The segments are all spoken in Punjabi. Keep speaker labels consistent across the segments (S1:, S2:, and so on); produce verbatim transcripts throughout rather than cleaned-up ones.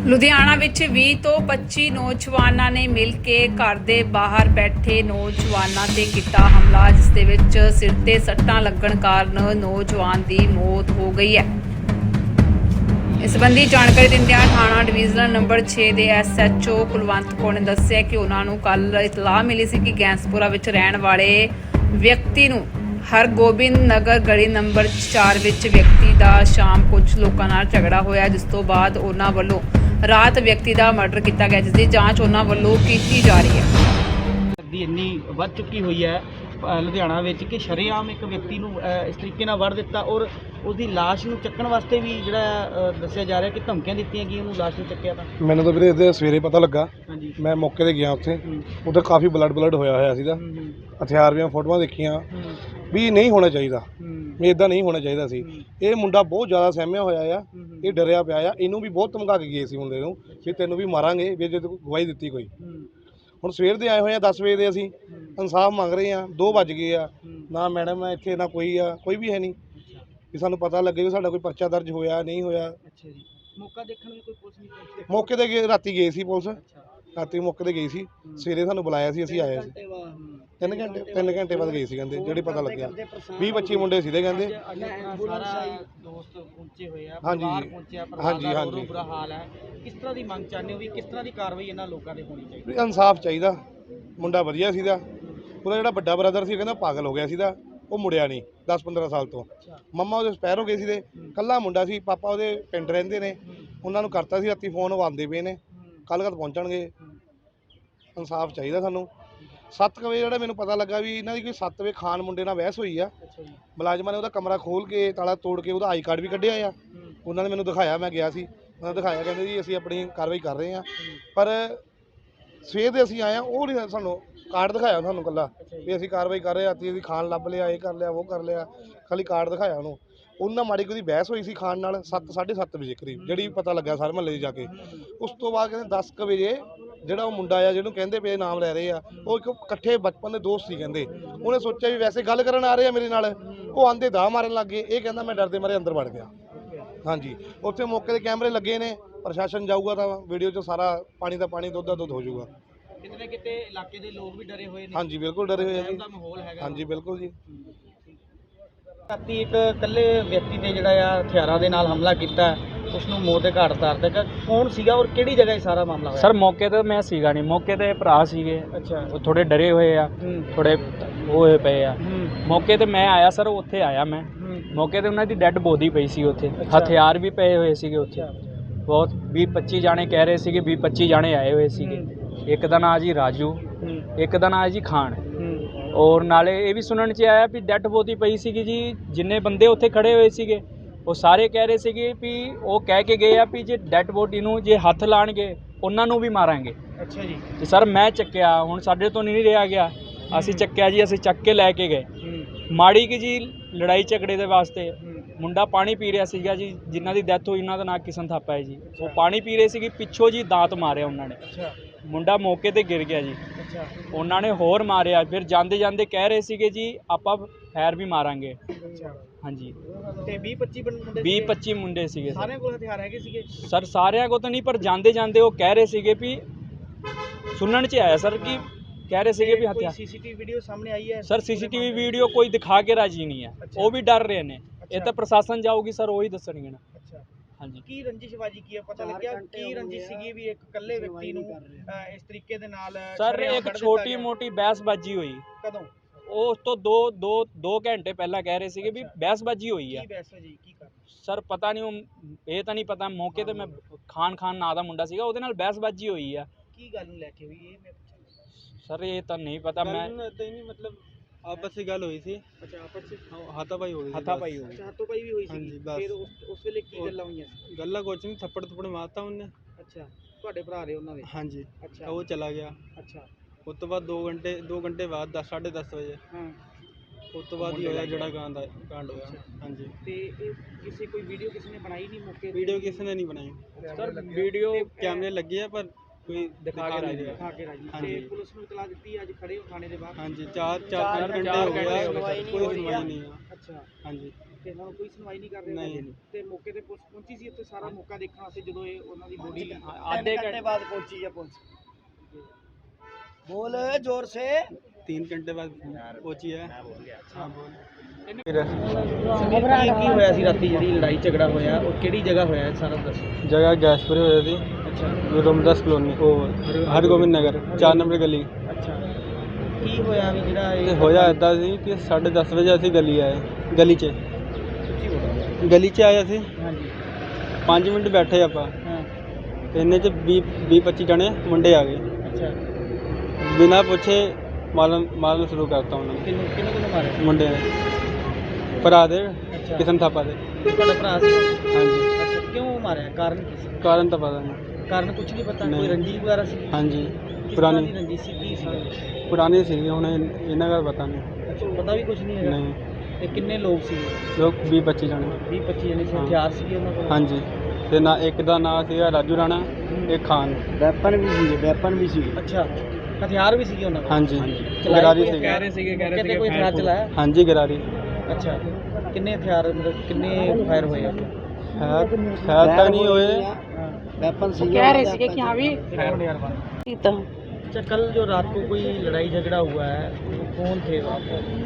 S1: ਲੁਧਿਆਣਾ ਵਿੱਚ ਵੀਹ ਤੋਂ ਪੱਚੀ ਨੌਜਵਾਨਾਂ ਨੇ ਮਿਲ ਕੇ ਘਰ ਦੇ ਬਾਹਰ ਬੈਠੇ ਨੌਜਵਾਨਾਂ ਤੇ ਕੀਤਾ ਹਮਲਾ, ਜਿਸ ਦੇ ਵਿੱਚ ਸਿਰ ਤੇ ਸੱਟਾਂ ਲੱਗਣ ਕਾਰਨ ਨੌਜਵਾਨ ਦੀ ਮੌਤ ਹੋ ਗਈ ਹੈ। ਇਸ ਸੰਬੰਧੀ ਜਾਣਕਾਰੀ ਦਿੰਦਿਆਂ ਥਾਣਾ ਡਿਵੀਜ਼ਨ ਨੰਬਰ ਛੇ ਦੇ S H O Kulwant Kaur ਨੇ ਦੱਸਿਆ ਕਿ ਉਹਨਾਂ ਨੂੰ ਕੱਲ ਇਤਲਾਹ ਮਿਲੀ ਸੀ ਕਿ ਗੈਂਸਪੁਰਾ ਵਿੱਚ ਰਹਿਣ ਵਾਲੇ ਵਿਅਕਤੀ ਨੂੰ ਹਰਗੋਬਿੰਦ ਨਗਰ ਗਲੀ ਨੰਬਰ ਚਾਰ ਵਿੱਚ ਵਿਅਕਤੀ ਦਾ ਸ਼ਾਮ ਕੁਝ ਲੋਕਾਂ ਨਾਲ ਝਗੜਾ ਹੋਇਆ, ਜਿਸ ਤੋਂ ਬਾਅਦ ਉਹਨਾਂ ਵੱਲੋਂ ਰਾਤ ਵਿਅਕਤੀ ਦਾ ਮਰਡਰ ਕੀਤਾ ਗਿਆ, ਜਿਸ ਦੀ ਜਾਂਚ ਉਹਨਾਂ ਵੱਲੋਂ ਕੀਤੀ ਜਾ ਰਹੀ ਹੈ।
S2: ਦੀ ਇੰਨੀ ਵੱਧ ਚੁੱਕੀ ਹੋਈ ਹੈ ਲੁਧਿਆਣਾ ਵਿੱਚ ਕਿ ਸ਼ਰੇਆਮ ਇੱਕ ਵਿਅਕਤੀ ਨੂੰ ਇਸ ਤਰੀਕੇ ਨਾਲ ਵੜ ਦਿੱਤਾ ਔਰ ਉਹਦੀ ਲਾਸ਼ ਨੂੰ ਚੱਕਣ ਵਾਸਤੇ ਵੀ ਜਿਹੜਾ ਦੱਸਿਆ ਜਾ ਰਿਹਾ ਕਿ ਧਮਕੀਆਂ ਦਿੱਤੀਆਂ ਕਿ ਉਹਨੂੰ ਲਾਸ਼ ਨੂੰ ਚੱਕਿਆ। ਤਾਂ
S3: ਮੈਨੂੰ ਤਾਂ ਵੀਰੇ ਇਹਦੇ ਸਵੇਰੇ ਪਤਾ ਲੱਗਾ।
S2: ਹਾਂਜੀ,
S3: ਮੈਂ ਮੌਕੇ ਤੇ ਗਿਆ, ਉੱਥੇ ਉੱਥੇ ਕਾਫੀ ਬਲੱਡ ਬਲੱਡ ਹੋਇਆ ਹੋਇਆ ਸੀਗਾ। ਹਥਿਆਰ ਦੀਆਂ ਫੋਟੋਆਂ ਦੇਖੀਆਂ ਵੀ ਨਹੀਂ ਹੋਣਾ ਚਾਹੀਦਾ, ਵੀ ਇਦਾਂ ਨਹੀਂ ਹੋਣਾ ਚਾਹੀਦਾ ਸੀ। ਇਹ ਮੁੰਡਾ ਬਹੁਤ ਜ਼ਿਆਦਾ ਸਹਿਮਿਆ ਹੋਇਆ ਆ, ਇਹ ਡਰਿਆ ਪਿਆ ਆ। ਇਹਨੂੰ ਵੀ ਬਹੁਤ ਧਮਕਾ ਕੇ ਗਏ ਸੀ ਮੁੰਡੇ ਨੂੰ ਵੀ ਤੈਨੂੰ ਵੀ ਮਾਰਾਂਗੇ ਵੀ ਜੇ ਤੂੰ ਗਵਾਹੀ ਦਿੱਤੀ ਕੋਈ। ਹੁਣ ਸਵੇਰ ਦੇ ਆਏ ਹੋਏ ਆ ਦਸ ਵਜੇ ਦੇ, ਅਸੀਂ ਇਨਸਾਫ ਮੰਗ ਰਹੇ ਆ। ਦੋ ਵੱਜ ਗਏ ਆ, ਨਾ ਮੈਡਮ ਹੈ ਇੱਥੇ, ਨਾ ਕੋਈ ਆ, ਕੋਈ ਵੀ ਹੈ ਨਹੀਂ ਵੀ ਸਾਨੂੰ ਪਤਾ ਲੱਗੇ ਵੀ ਸਾਡਾ ਕੋਈ ਪਰਚਾ ਦਰਜ ਹੋਇਆ ਨਹੀਂ ਹੋਇਆ।
S2: ਅੱਛਾ ਜੀ, ਮੌਕਾ ਦੇਖਣ ਨੂੰ ਕੋਈ ਪੁਲਿਸ ਨਹੀਂ ਪਹੁੰਚੀ?
S3: ਮੌਕੇ ਤੇ ਗਏ, ਰਾਤੀ ਗਏ ਸੀ ਪੁਲਿਸ, ਰਾਤੀ ਮੌਕੇ ਤੇ ਗਈ ਸੀ। ਸਵੇਰੇ ਸਾਨੂੰ ਬੁਲਾਇਆ ਸੀ, ਅਸੀਂ ਆਏ ਸੀ। ਤਿੰਨ ਘੰਟੇ ਤਿੰਨ ਘੰਟੇ ਬਾਅਦ ਗਏ ਸੀ ਕਹਿੰਦੇ, ਜਿਹੜੀ ਪਤਾ ਲੱਗਿਆ ਵੀਹ ਪੱਚੀ ਮੁੰਡੇ ਸੀਗੇ ਕਹਿੰਦੇ।
S2: ਸਾਰਾ ਦੋਸਤ ਪਹੁੰਚੇ ਹੋਏ ਆ,
S3: ਹਾਂਜੀ
S2: ਪਹੁੰਚਿਆ,
S3: ਹਾਂਜੀ ਹਾਂਜੀ
S2: ਬੁਰਾ ਹਾਲ ਹੈ। ਕਿਸ ਤਰ੍ਹਾਂ ਦੀ ਮੰਗ ਚਾਹੁੰਦੇ ਹੋ ਵੀ ਕਿਸ ਤਰ੍ਹਾਂ ਦੀ ਕਾਰਵਾਈ ਇਹਨਾਂ ਲੋਕਾਂ ਦੇ ਹੋਣੀ ਚਾਹੀਦੀ?
S3: ਇਨਸਾਫ ਚਾਹੀਦਾ। ਮੁੰਡਾ ਵਧੀਆ ਸੀਗਾ, ਉਹਦਾ ਜਿਹੜਾ ਵੱਡਾ ਬ੍ਰਦਰ ਸੀ ਕਹਿੰਦਾ ਪਾਗਲ ਹੋ ਗਿਆ ਸੀਗਾ, ਉਹ ਮੁੜਿਆ ਨਹੀਂ ਦਸ ਪੰਦਰਾਂ ਸਾਲ ਤੋਂ। ਮੰਮਾ ਉਹਦੇ ਸਪੈਰ ਹੋ ਗਏ ਸੀਗੇ, ਕੱਲਾ ਮੁੰਡਾ ਸੀ। ਪਾਪਾ ਉਹਦੇ ਪਿੰਡ ਰਹਿੰਦੇ ਨੇ, ਉਹਨਾਂ ਨੂੰ ਕਰਤਾ ਸੀ ਰਾਤੀ ਫੋਨ, ਉਹ ਆਉਂਦੇ ਪਏ ਨੇ, ਕੱਲ੍ਹ ਕਦ ਪਹੁੰਚਣਗੇ। ਇਨਸਾਫ ਚਾਹੀਦਾ ਸਾਨੂੰ। ਸੱਤ ਕੁ ਵਜੇ ਜਿਹੜਾ ਮੈਨੂੰ ਪਤਾ ਲੱਗਾ ਵੀ ਇਹਨਾਂ ਦੀ ਕੋਈ ਸੱਤ ਵਜੇ ਖਾਨ ਮੁੰਡੇ ਨਾਲ ਬਹਿਸ ਹੋਈ ਆ। ਮੁਲਾਜ਼ਮਾਂ ਨੇ ਉਹਦਾ ਕਮਰਾ ਖੋਲ੍ਹ ਕੇ ਤਾਲਾ ਤੋੜ ਕੇ ਉਹਦਾ ਆਈ ਕਾਰਡ ਵੀ ਕੱਢਿਆ ਆ। ਉਹਨਾਂ ਨੇ ਮੈਨੂੰ ਦਿਖਾਇਆ, ਮੈਂ ਗਿਆ ਸੀ, ਉਹਨਾਂ ਨੇ ਦਿਖਾਇਆ, ਕਹਿੰਦੇ ਜੀ ਅਸੀਂ ਆਪਣੀ ਕਾਰਵਾਈ ਕਰ ਰਹੇ ਹਾਂ। ਪਰ ਸਵੇਰ ਦੇ ਅਸੀਂ ਆਏ ਹਾਂ, ਉਹ ਨਹੀਂ ਸਾਨੂੰ ਕਾਰਡ ਦਿਖਾਇਆ ਸਾਨੂੰ ਇਕੱਲਾ ਵੀ ਅਸੀਂ ਕਾਰਵਾਈ ਕਰ ਰਹੇ ਹਾਂ। ਅਸੀਂ ਖਾਣ ਲੱਭ ਲਿਆ, ਇਹ ਕਰ ਲਿਆ, ਉਹ ਕਰ ਲਿਆ, ਖਾਲੀ ਕਾਰਡ ਦਿਖਾਇਆ ਉਹਨੂੰ। ਉਹਨਾਂ ਮਾੜੀ ਕੋਈ ਬਹਿਸ ਹੋਈ ਸੀ ਖਾਣ ਨਾਲ ਸੱਤ ਸਾਢੇ ਸੱਤ ਵਜੇ ਕਰੀਬ, ਜਿਹੜੀ ਪਤਾ ਲੱਗਾ ਸਾਰੇ ਮਹੱਲੇ 'ਚ ਜਾ ਕੇ। ਉਸ ਤੋਂ ਬਾਅਦ ਕਹਿੰਦੇ ਦਸ ਕੁ ਵਜੇ ਜਿਹੜਾ ਉਹ ਮੁੰਡਾ ਆ ਜਿਹਨੂੰ ਕਹਿੰਦੇ ਪਏ ਨਾਮ ਲੈ ਰਹੇ ਆ, ਉਹ ਇੱਕ ਇਕੱਠੇ ਬਚਪਨ ਦੇ ਦੋਸਤ ਸੀ ਕਹਿੰਦੇ। ਉਹਨੇ ਸੋਚਿਆ ਵੀ ਵੈਸੇ ਗੱਲ ਕਰਨ ਆ ਰਹੇ ਆ ਮੇਰੇ ਨਾਲ, ਉਹ ਆਂਦੇ ਦਾ ਮਾਰਨ ਲੱਗ ਗਏ। ਇਹ ਕਹਿੰਦਾ ਮੈਂ ਡਰਦੇ ਮਾਰੇ ਅੰਦਰ ਵੜ ਗਿਆ। ਹਾਂਜੀ, ਉੱਥੇ ਮੌਕੇ ਦੇ ਕੈਮਰੇ ਲੱਗੇ ਨੇ, ਪ੍ਰਸ਼ਾਸਨ ਜਾਊਗਾ ਤਾਂ ਵੀਡੀਓ 'ਚ ਸਾਰਾ ਪਾਣੀ ਦਾ ਪਾਣੀ, ਦੁੱਧ ਦਾ ਦੁੱਧ ਹੋ ਜਾਊਗਾ।
S2: ਕਿਤੇ ਨਾ ਕਿਤੇ ਇਲਾਕੇ ਦੇ ਲੋਕ ਵੀ ਡਰੇ ਹੋਏ ਨੇ।
S3: ਹਾਂਜੀ ਬਿਲਕੁਲ ਡਰੇ ਹੋਏ ਆ ਜੀ।
S2: ਮਾਹੌਲ ਹੈਗਾ।
S3: ਹਾਂਜੀ ਬਿਲਕੁਲ ਜੀ।
S2: ਰਾਤੀ ਇੱਕ ਇਕੱਲੇ ਵਿਅਕਤੀ ਤੇ ਜਿਹੜਾ ਆ ਹਥਿਆਰਾਂ ਦੇ ਨਾਲ ਹਮਲਾ ਕੀਤਾ, ਉਸ ਨੂੰ ਮੌਤ ਦੇ ਘਾਟ ਉਤਾਰ ਦਿੱਤਾ। ਕੌਣ ਸੀਗਾ ਔਰ ਕਿਹੜੀ ਜਗ੍ਹਾ ਇਹ ਸਾਰਾ ਮਾਮਲਾ ਹੋਇਆ?
S4: ਸਰ ਮੌਕੇ ਤੇ ਮੈਂ ਸੀਗਾ ਨਹੀਂ, ਮੌਕੇ ਤੇ ਭਰਾ ਸੀਗੇ।
S2: ਅੱਛਾ,
S4: ਉਹ ਥੋੜੇ ਡਰੇ ਹੋਏ ਆ, ਥੋੜੇ ਉਹ ਹੋਏ ਪਏ ਆ। ਮੌਕੇ ਤੇ ਮੈਂ ਆਇਆ ਸਰ, ਉੱਥੇ ਆਇਆ ਮੈਂ ਮੌਕੇ ਤੇ ਉਹਨਾਂ ਦੀ ਡੈੱਡ ਬੋਡੀ ਪਈ ਸੀ ਉੱਥੇ, ਹਥਿਆਰ ਵੀ ਪਏ ਹੋਏ ਸੀਗੇ ਉੱਥੇ। ਬਹੁਤ ਵੀਹ ਪੱਚੀ ਜਾਣੇ ਕਹਿ ਰਹੇ ਸੀਗੇ, ਵੀਹ ਪੱਚੀ ਜਾਣੇ ਆਏ ਹੋਏ ਸੀਗੇ। ਇੱਕ ਦਾ ਨਾਂ ਜੀ ਰਾਜੂ, ਇੱਕ ਦਾ ਨਾਂ ਹੈ ਜੀ ਖਾਨ। ਔਰ ਨਾਲੇ ਇਹ ਵੀ ਸੁਣਨ 'ਚ ਆਇਆ ਵੀ ਡੈੱਡ ਬੋਡੀ ਪਈ ਸੀਗੀ ਜੀ। ਜਿੰਨੇ ਬੰਦੇ ਉੱਥੇ ਖੜੇ ਹੋਏ ਸੀਗੇ ਉਹ ਸਾਰੇ ਕਹਿ ਰਹੇ ਸੀਗੇ ਵੀ ਉਹ ਕਹਿ ਕੇ ਗਏ ਆ ਵੀ ਜੇ ਡੈੱਡ ਬੋਡੀ ਨੂੰ ਜੇ ਹੱਥ ਲਾਣਗੇ ਉਹਨਾਂ ਨੂੰ ਵੀ ਮਾਰਾਂਗੇ।
S2: ਅੱਛਾ ਜੀ।
S4: ਤੇ ਸਰ ਮੈਂ ਚੱਕਿਆ, ਹੁਣ ਸਾਡੇ ਤੋਂ ਨਹੀਂ ਰਿਹਾ ਗਿਆ, ਅਸੀਂ ਚੱਕਿਆ ਜੀ, ਅਸੀਂ ਚੱਕ ਕੇ ਲੈ ਕੇ ਗਏ। ਮਾੜੀ ਕਿ ਜੀ ਲੜਾਈ ਝਗੜੇ ਦੇ ਵਾਸਤੇ ਮੁੰਡਾ ਪਾਣੀ ਪੀ ਰਿਹਾ ਸੀਗਾ ਜੀ, ਜਿਨ੍ਹਾਂ ਦੀ ਡੈਥ ਹੋਈ ਉਹਨਾਂ ਦਾ ਨਾਂ ਕਿਸ਼ਨ ਥਾਪਾ ਹੈ ਜੀ। ਉਹ ਪਾਣੀ ਪੀ ਰਹੇ ਸੀਗੇ, ਪਿੱਛੋਂ ਜੀ ਦਾਤ ਮਾਰਿਆ ਉਹਨਾਂ ਨੇ। ਮੁੰਡਾ ਮੌਕੇ ਤੇ ਗਿਰ ਗਿਆ ਜੀ। ਉਹਨਾਂ ਨੇ ਹੋਰ ਮਾਰਿਆ, ਫਿਰ ਜਾਂਦੇ ਜਾਂਦੇ ਕਹਿ ਰਹੇ ਸੀਗੇ ਜੀ ਆਪਾਂ ਫੈਰ ਵੀ ਮਾਰਾਂਗੇ। ਹਾਂਜੀ,
S2: ਤੇ ਵੀਹ ਪੱਚੀ ਮੁੰਡੇ
S4: ਵੀਹ ਪੱਚੀ ਮੁੰਡੇ ਸੀਗੇ।
S2: ਸਾਰਿਆਂ ਕੋਲ ਹਥਿਆਰ ਹੈਗੇ ਸੀਗੇ
S4: ਸਰ? ਸਾਰਿਆਂ ਕੋਲ ਤਾਂ ਨਹੀਂ, ਪਰ ਜਾਂਦੇ ਜਾਂਦੇ ਉਹ ਕਹਿ ਰਹੇ ਸੀਗੇ ਵੀ ਸੁਣਨ 'ਚ ਆਇਆ ਸਰ ਕਿ ਕਹਿ ਰਹੇ ਸੀਗੇ ਵੀ ਹਥਿਆਰ।
S2: ਸੀਸੀਟੀਵੀ ਵੀਡੀਓ ਸਾਹਮਣੇ ਆਈ ਹੈ
S4: ਸਰ? ਸੀਸੀਟੀਵੀ ਵੀਡੀਓ ਕੋਈ ਦਿਖਾ ਕੇ ਰਾਜੀ ਨਹੀਂ ਹੈ, ਉਹ ਵੀ ਡਰ ਰਹੇ ਨੇ। ਇਹ ਤਾਂ ਪ੍ਰਸ਼ਾਸਨ ਜਾਊਗੀ ਸਰ, ਉਹੀ ਦੱਸਣਗੇ ਨਾ। ਹਾਂਜੀ,
S2: ਕੀ ਰੰਜਿਸ਼ਬਾਜੀ ਕੀ ਹੈ, ਪਤਾ ਲੱਗਿਆ ਕੀ ਰੰਜਿਸ਼ ਸੀਗੀ ਵੀ ਇੱਕ ਇਕੱਲੇ ਵਿਅਕਤੀ ਨੂੰ ਇਸ ਤਰੀਕੇ ਦੇ ਨਾਲ?
S4: ਸਰ ਇੱਕ ਛੋਟੀ ਮੋਟੀ ਬਹਿਸਬਾਜੀ ਹੋਈ।
S2: ਕਦੋਂ?
S4: ਉਸ ਤੋਂ ਦੋ ਦੋ ਦੋ ਘੰਟੇ ਪਹਿਲਾਂ ਕਹਿ ਰਹੇ ਸੀਗੇ ਵੀ ਬਹਿਸਬਾਜੀ ਹੋਈ ਆ।
S2: ਕੀ ਬਹਿਸਬਾਜੀ ਕੀ ਕਰ?
S4: ਸਰ ਪਤਾ ਨਹੀਂ, ਉਹ ਇਹ ਤਾਂ ਨਹੀਂ ਪਤਾ। ਮੌਕੇ ਤੇ ਮੈਂ ਖਾਨ ਖਾਨ ਨਾਂ ਦਾ ਮੁੰਡਾ ਸੀਗਾ, ਉਹਦੇ ਨਾਲ ਬਹਿਸਬਾਜੀ ਹੋਈ ਆ।
S2: ਕੀ ਗੱਲ ਨੂੰ ਲੈ ਕੇ ਹੋਈ ਇਹ?
S4: ਸਰ ਇਹ ਤਾਂ ਨਹੀਂ ਪਤਾ। ਮੈਂ
S2: ਮਤਲਬ ਆਪਸ ਵਿੱਚ ਗੱਲ ਹੋਈ ਸੀ। ਅੱਛਾ, ਆਪਸ ਵਿੱਚ ਹਾਥਾਪਾਈ ਹੋ ਗਈ।
S4: ਹਾਥਾਪਾਈ ਹੋ ਗਈ।
S2: ਅੱਛਾ, ਹਾਥਾਪਾਈ ਵੀ ਹੋਈ ਸੀ। ਫਿਰ ਉਸ ਉਸ ਵੇਲੇ ਕੀ ਗੱਲਾਂ ਹੋਈਆਂ?
S5: ਗੱਲਾਂ ਕੁਛ ਨਹੀਂ, ਥੱਪੜ ਥੱਪੜ ਮਾਰਤਾ ਉਹਨੇ।
S2: ਅੱਛਾ, ਤੁਹਾਡੇ ਭਰਾ ਰਹੇ ਉਹਨਾਂ ਦੇ?
S5: ਹਾਂਜੀ।
S2: ਅੱਛਾ,
S5: ਉਹ ਚਲਾ ਗਿਆ।
S2: ਅੱਛਾ,
S5: ਉਸ ਤੋਂ ਬਾਅਦ ਦੋ ਘੰਟੇ ਦੋ ਘੰਟੇ ਬਾਅਦ ਦਸ ਸਾਢੇ ਦਸ ਵਜੇ
S2: ਹਾਂ,
S5: ਉਸ ਤੋਂ ਬਾਅਦ ਹੀ ਹੋਇਆ ਜਿਹੜਾ ਕਾਂਡ ਕਾਂਡ ਹੋਇਆ। ਹਾਂਜੀ।
S2: ਤੇ ਇਹ ਕਿਸੇ ਕੋਈ ਵੀਡੀਓ ਕਿਸੇ ਨੇ ਬਣਾਈ ਨਹੀਂ ਮੌਕੇ?
S5: ਵੀਡੀਓ ਕਿਸੇ ਨੇ ਨਹੀਂ ਬਣਾਈ
S4: ਸਰ। ਵੀਡੀਓ
S5: ਕੈਮਰੇ ਲੱਗੇ ਆ ਪਰ ਕੋਈ ਦਿਖਾ ਕੇ ਰਾਜੀ
S2: ਖਾ ਕੇ ਰਾਜੀ
S5: ਹਾਂਜੀ।
S2: ਤੇ ਪੁਲਿਸ ਨੂੰ ਇਤਲਾਹ ਦਿੱਤੀ ਅੱਜ ਖੜੇ ਹੋ ਥਾਣੇ ਦੇ ਬਾਹਰ
S5: ਹਾਂਜੀ ਚਾਰ ਚਾਰ
S2: ਚਾਰ
S5: ਘੰਟੇ
S2: ਚਾਰ
S5: ਹੋ ਗਏ
S2: ਘੰਟੇ
S5: ਆ,
S2: ਹੋ ਗਏ
S5: ਕੋਈ
S2: ਸਰ, ਕੋਈ
S5: ਸੁਣਵਾਈ ਨਹੀਂ ਆ
S2: ਅੱਛਾ
S5: ਹਾਂਜੀ
S2: ਤੇ ਇਹਨਾਂ ਨੂੰ ਕੋਈ ਸੁਣਵਾਈ ਨਹੀਂ ਕਰ ਰਹੇ
S5: ਨਹੀਂ।
S2: ਹੈਗੇ। ਤੇ ਮੌਕੇ ਤੇ ਪੁਲਿਸ ਪਹੁੰਚੀ ਸੀ ਇੱਥੇ ਸਾਰਾ ਮੌਕਾ ਦੇਖਣ ਵਾਸਤੇ ਜਦੋਂ ਇਹ ਉਹਨਾਂ ਦੀ ਬੋਡੀ
S4: आधे घंटे
S2: ਬਾਅਦ ਪਹੁੰਚੀ ਹੈ ਪੁਲਿਸ ਬੋਲ ਜ਼ੋਰ ਸੇ
S5: तीन घंटे बाद पहुंची है हाँ बोल
S2: ਕੀ ਹੋਇਆ ਸੀ ਰਾਤੀ ਜਿਹੜੀ ਲੜਾਈ ਝਗੜਾ ਹੋਇਆ ਉਹ ਕਿਹੜੀ ਜਗ੍ਹਾ ਹੋਇਆ ਹੈ ਸਾਰਾ ਦੱਸੋ
S5: जगह गैसपुरी हो थी
S2: ਅੱਛਾ
S5: रोमदास कॉलोनी ओ हरगोबिंद नगर चार नंबर गली
S2: ਅੱਛਾ ਕੀ ਹੋਇਆ ਵੀ ਜਿਹੜਾ
S5: ਤੇ
S2: ਇਹ
S5: ਹੋਇਆ ਇਦਾਂ ਸੀ ਕਿ ਸਾਢੇ ਦਸ ਵਜੇ ਅਸੀਂ ਗਲੀ ਆਏ ਗਲੀ 'ਚ
S2: ਸੱਚੀ ਬੋਲੋ
S5: ਗਲੀ 'ਚ ਆਏ ਅਸੀਂ
S2: ਹਾਂਜੀ
S5: ਪੰਜ ਮਿੰਟ ਬੈਠੇ ਆਪਾਂ
S2: ਹਾਂ
S5: ਤੇ ਇੰਨੇ 'ਚ ਵੀਹ ਵੀਹ ਪੱਚੀ ਜਣੇ ਮੁੰਡੇ ਆ ਗਏ
S2: ਅੱਛਾ
S5: ਬਿਨਾਂ ਪੁੱਛੇ ਮਾਰਨ ਮਾਰਨ ਸ਼ੁਰੂ ਕਰਤਾ ਉਹਨਾਂ ਨੇ
S2: ਕਿੰਨੂੰ ਕਿੰਨੂੰ ਕਿੰਨੂੰ ਮਾਰਿਆ
S5: ਮੁੰਡੇ ਨੇ ਭਰਾ ਦੇ
S2: ਅੱਛਾ
S5: ਕਿਸਨ ਥਾਪਾ ਦੇ
S2: ਤੁਹਾਡਾ ਭਰਾ ਸੀ
S5: ਹਾਂਜੀ
S2: ਅੱਛਾ ਕਿਉਂ ਮਾਰਿਆ ਕਾਰਨ ਕੀ ਸੀ
S5: ਕਾਰਨ ਤਾਂ ਪਤਾ ਨਹੀਂ
S2: ਕਾਰਨ ਕੁਝ ਨਹੀਂ ਪਤਾ
S5: ਨਹੀਂ।
S2: ਕੋਈ ਰੰਜਿਸ਼ ਵਗੈਰਾ ਸੀ
S5: ਹਾਂਜੀ
S2: ਕਿਸ ਤਰ੍ਹਾਂ
S5: ਪੁਰਾਣੀ
S2: ਦੀ ਰੰਜਿਸ਼ ਸੀ ਕੀ ਸੀ
S5: ਪੁਰਾਣੀ ਸੀਗੀ ਹੁਣ ਇਹ- ਇਹਨਾਂ ਦਾ ਪਤਾ ਨਹੀਂ
S2: ਅੱਛਾ ਪਤਾ ਵੀ ਕੁਝ ਨਹੀਂ ਹੈਗਾ
S5: ਨਹੀਂ
S2: ਤੇ ਕਿੰਨੇ ਲੋਕ ਸੀ
S5: ਲੋਕ ਵੀਹ ਪੱਚੀ ਜਣੇ
S2: ਵੀਹ ਪੱਚੀ ਜਣੇ ਸੀ
S5: ਹਾਂ।
S2: ਹਥਿਆਰ ਸੀ ਉਹਨਾਂ ਕੋਲ
S5: ਹਾਂਜੀ ਤੇ ਨਾ ਇੱਕ ਦਾ ਨਾਂ ਸੀਗਾ ਰਾਜੂ ਰਾਣਾ ਇੱਕ ਖਾਨ
S2: ਵੈਪਨ ਵੀ ਸੀ ਵੈਪਨ ਵੀ ਸੀ ਅੱਛਾ ਹਥਿਆਰ ਵੀ ਸੀਗੇ ਉਹਨਾਂ ਕੋਲ
S5: ਹਾਂਜੀ
S2: ਚਲਾਏ
S5: ਗਰਾਰੀ
S2: ਕੋਈ
S5: ਸੀਗੇ
S2: ਕਹਿ ਰਹੇ ਸੀਗੇ ਕਹਿ ਰਹੇ ਸੀਗੇ ਕੋਈ ਹਥਿਆਰ ਚਲਾਇਆ
S5: ਹਾਂਜੀ ਗਰਾਰੀ
S2: ਅੱਛਾ ਕਿੰਨੇ ਹਥਿਆਰ ਮਤਲਬ ਕਿੰਨੇ ਫਾਇਰ ਹੋਏ ਆ
S5: ਹੈ ਹੈ ਤਾਂ ਨਹੀਂ ਹੋਏ
S2: ਵੈਪन ਸੀ
S6: कह रहे थे कि हाँ भी तो
S2: अच्छा कल जो रात को कोई लड़ाई झगड़ा हुआ है वो कौन थे वहाँ पर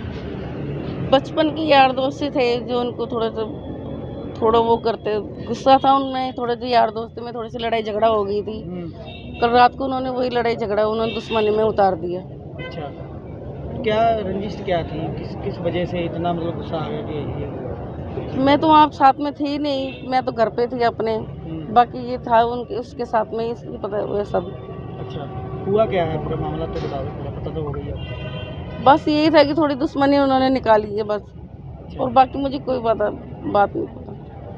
S6: बचपन के यार दोस्त थे जो उनको थोड़ा सा थोड़ा वो करते गुस्सा था उनमें थोड़े से यार दोस्ती में थोड़ी सी लड़ाई झगड़ा हो गई थी कल रात को उन्होंने वही लड़ाई झगड़ा उन्होंने दुश्मनी में उतार दिया।
S2: अच्छा क्या रंजिश क्या थी किस किस वजह से इतना मतलब गुस्सा आ गया कि ये
S6: मैं तो वहाँ साथ में थी नहीं मैं तो घर पे थी अपने
S2: हम्म,
S6: बाकी ये था उनके उसके साथ में ही पता हुआ सब
S2: अच्छा हुआ क्या है पूरा मामला तो बता दो पूरा पता तो हो गई है
S6: बस यही था कि थोड़ी दुश्मनी उन्होंने निकाली है बस
S2: अच्छा
S6: और बाकी मुझे कोई पता बात नहीं पता।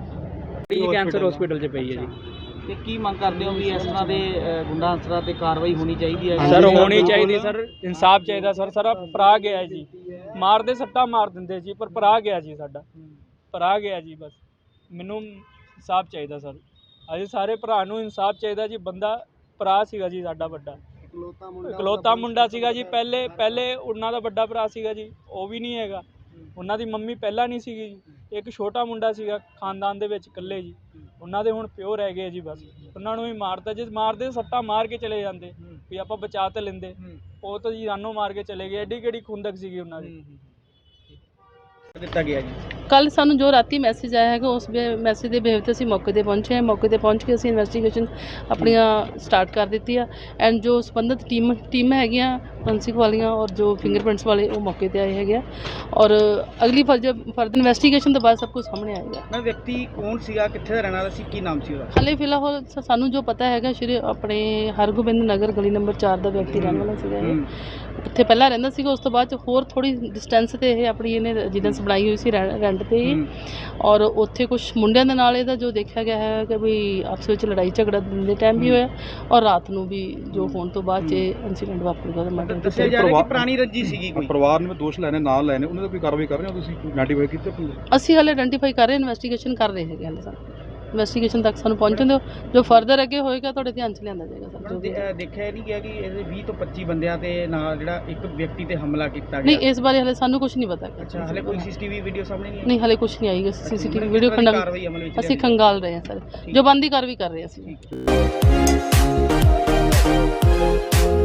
S4: ਜੀ ਕੈਂਸਰ ਹਸਪੀਟਲ 'ਚ ਪਈ ਹੈ ਜੀ
S2: ਤੇ ਕੀ ਮੰਗ ਕਰਦੇ ਹੋ ਵੀ ਇਸ ਤਰ੍ਹਾਂ ਦੇ ਅ, ਗੁੰਡਾ ਅਨਸਰਾਂ ਤੇ ਕਾਰਵਾਈ ਹੋਣੀ ਚਾਹੀਦੀ ਹੈ
S4: ਸਰ ਹੋਣੀ ਚਾਹੀਦੀ ਸਰ ਇਨਸਾਫ ਚਾਹੀਦਾ ਸਰ ਸਾਰਾ ਭਰਾ ਗਿਆ ਜੀ ਮਾਰਦੇ ਸੱਟਾ ਮਾਰ ਦਿੰਦੇ ਜੀ ਪਰ ਭਰਾ ਗਿਆ ਜੀ ਸਾਡਾ ਭਰਾ ਗਿਆ ਜੀ ਬਸ ਮੈਨੂੰ ਇਨਸਾਫ ਚਾਹੀਦਾ ਸਰ ਅਸੀਂ ਸਾਰੇ ਭਰਾ ਨੂੰ ਇਨਸਾਫ ਚਾਹੀਦਾ ਜੀ ਬੰਦਾ ਭਰਾ ਸੀਗਾ ਜੀ ਸਾਡਾ ਵੱਡਾ ਇਕਲੌਤਾ ਮੁੰਡਾ ਸੀਗਾ ਜੀ ਪਹਿਲੇ ਪਹਿਲੇ ਉਹਨਾਂ ਦਾ ਵੱਡਾ ਭਰਾ ਸੀਗਾ ਜੀ ਉਹ ਵੀ ਨਹੀਂ ਹੈਗਾ ਉਹਨਾਂ ਦੀ ਮੰਮੀ ਪਹਿਲਾਂ ਨਹੀਂ ਸੀਗੀ ਜੀ ਇੱਕ ਛੋਟਾ ਮੁੰਡਾ ਸੀਗਾ ਖਾਨਦਾਨ ਦੇ ਵਿੱਚ ਇਕੱਲੇ ਜੀ ਉਹਨਾਂ ਦੇ ਹੁਣ ਪਿਓ ਰਹਿ ਗਏ ਜੀ ਬਸ ਉਹਨਾਂ ਨੂੰ ਵੀ ਮਾਰਤਾ ਜੇ ਮਾਰਦੇ ਸੱਟਾ ਮਾਰ ਕੇ ਚਲੇ ਜਾਂਦੇ ਵੀ ਆਪਾਂ ਬਚਾ ਤਾਂ ਲੈਂਦੇ ਉਹ ਤਾਂ ਜੀ ਜਾਨੋਂ ਮਾਰ ਕੇ ਚਲੇ ਗਏ ਐਡੀ ਕਿਹੜੀ ਖੁੰਦਕ ਸੀਗੀ ਉਹਨਾਂ ਦੀ
S2: ਦਿੱਤਾ ਗਿਆ ਜੀ
S7: ਕੱਲ ਸਾਨੂੰ ਜੋ ਰਾਤੀ ਮੈਸੇਜ ਆਇਆ ਹੈਗਾ ਉਸ ਮੈਸੇਜ ਦੇ ਬੇਹਵ 'ਤੇ ਅਸੀਂ ਮੌਕੇ 'ਤੇ ਪਹੁੰਚੇ ਹਾਂ ਮੌਕੇ 'ਤੇ ਪਹੁੰਚ ਕੇ ਅਸੀਂ ਇਨਵੈਸਟੀਗੇਸ਼ਨ ਆਪਣੀਆਂ ਸਟਾਰਟ ਕਰ ਦਿੱਤੀ ਆ ਐਂਡ ਜੋ ਸੰਬੰਧਿਤ ਟੀਮ ਟੀਮ ਹੈਗੀਆਂ ਫੋਰੈਂਸਿਕ ਵਾਲੀਆਂ ਔਰ ਜੋ ਫਿੰਗਰਪ੍ਰਿੰਟਸ ਵਾਲੇ ਉਹ ਮੌਕੇ 'ਤੇ ਆਏ ਹੈਗੇ ਆ ਔਰ ਅਗਲੀ ਫਰਦਰ ਫਰਦਰ ਇਨਵੈਸਟੀਗੇਸ਼ਨ ਤੋਂ ਬਾਅਦ ਸਭ ਕੁਝ ਸਾਹਮਣੇ ਆਏਗਾ।
S2: ਮੈਂ ਵਿਅਕਤੀ ਕੌਣ ਸੀਗਾ ਕਿੱਥੇ ਦਾ ਰਹਿਣ ਵਾਲਾ ਸੀ ਕੀ ਨਾਮ ਸੀ ਉਹਦਾ
S7: ਹਾਲੇ ਫਿਲਹਾਲ ਸ- ਸਾਨੂੰ ਜੋ ਪਤਾ ਹੈਗਾ ਸ਼੍ਰੀ ਆਪਣੇ ਹਰਗੋਬਿੰਦ ਨਗਰ ਗਲੀ ਨੰਬਰ ਚਾਰ ਦਾ ਵਿਅਕਤੀ ਰਹਿਣ ਵਾਲਾ ਸੀਗਾ ਇਹ ਉੱਥੇ ਪਹਿਲਾਂ ਰਹਿੰਦਾ ਸੀਗਾ ਉਸ ਤੋਂ ਬਾਅਦ 'ਚ ਹੋਰ ਥੋੜੀ ਡਿਸਟੈਂਸ ਤੇ ਇਹ ਆਪਣੀ ਇਹਨੇ ਰੈਜ਼ੀਡੈਂਸ ਬਣਾਈ ਹੋਈ ਸੀ ਰੈਂਟ ਤੇ ਹੀ ਔਰ ਉੱਥੇ ਕੁਝ ਮੁੰਡਿਆਂ ਦੇ ਨਾਲ ਇਹਦਾ ਜੋ ਦੇਖਿਆ ਗਿਆ ਹੈ ਕਿ ਵੀ ਆਪਸ ਵਿੱਚ ਲੜਾਈ ਝਗੜਾ ਦਿਨ ਦੇ ਟਾਈਮ ਵੀ ਹੋਇਆ ਔਰ ਰਾਤ ਨੂੰ ਵੀ ਜੋ ਹੋਣ ਤੋਂ ਬਾਅਦ 'ਚ ਇਨਸੀਡੈਂਟ ਵਾਪਰੂਗਾ ਉਹਦਾ ਮਰਡਰ
S2: ਦੱਸਿਆ ਜਾ ਰਿਹਾ ਕਿ ਪੁਰਾਣੀ ਰੰਜੀ ਸੀਗੀ ਕੋਈ
S8: ਪਰਿਵਾਰ ਨੇ ਦੋਸ਼ ਲੈਣੇ ਨਾਲ ਲੈਣੇ ਉਹਨਾਂ ਦਾ ਕੋਈ ਕਾਰਵਾਈ ਕਰ ਰਹੇ ਹੋ ਤੁਸੀਂ ਆਈਡੈਂਟੀਫਾਈ ਕੀਤੇ ਆਪਣੇ
S7: ਅਸੀਂ ਹਾਲੇ ਆਇਡੈਂਟੀਫਾਈ ਕਰ ਰਹੇ ਇਨਵੈਸਟੀਗੇਸ਼ਨ ਕਰ ਰਹੇ ਹੈਗੇ ਹਾਲੇ ਸਾਨੂੰ ਇਨਵੈਸਟੀਗੇਸ਼ਨ ਤੱਕ ਸਾਨੂੰ ਪਹੁੰਚਣ ਦਿਓ ਜੋ ਫਰਦਰ ਅੱਗੇ ਹੋਏਗਾ ਤੁਹਾਡੇ ਧਿਆਨ 'ਚ ਲਿਆਂਦਾ ਜਾਏਗਾ ਸਰ ਜੋ ਵੀ
S2: ਦੇ- ਅਹ ਦੇਖਿਆ ਨਹੀਂ ਗਿਆ ਕਿ ਇਹਦੇ ਵੀਹ ਤੋਂ ਪੱਚੀ ਬੰਦਿਆਂ ਤੇ ਨਾਲ ਜਿਹੜਾ ਇੱਕ ਵਿਅਕਤੀ ਤੇ ਹਮਲਾ ਕੀਤਾ
S7: ਨਹੀਂ
S2: ਗਿਆ
S7: ਇਸ ਬਾਰੇ ਹਾਲੇ ਸਾਨੂੰ ਕੁਝ ਨਹੀਂ ਪਤਾ
S2: ਅੱਛਾ ਹਲੇ ਕੋਈ ਸੀਸੀਟੀਵੀ ਵੀਡੀਓ ਸਾਹਮਣੇ ਨਹੀਂ ਆਈ?
S7: ਨਹੀਂ ਹਾਲੇ ਕੁਝ ਨਹੀਂ ਆਏਗਾ ਸੀਸੀਟੀਵੀ
S2: ਮਤਲਬ
S7: ਵੀਡੀਓ
S2: ਕਿਸ ਤਰ੍ਹਾਂ ਦੀ
S7: ਖੰਡਾ
S2: ਕਾਰਵਾਈ ਅਮਲ ਵਿੱਚ
S7: ਅਸੀਂ
S2: ਲਿਆਂਦੀ?
S7: ਖੰਗਾਲ ਰਹੇ ਹਾਂ ਸਰ ਜੋ ਬੰਦੀ ਕਾਰਵਾਈ ਕਰ ਰਹੇ ਹਾਂ ਅਸੀਂ
S2: ਠੀਕ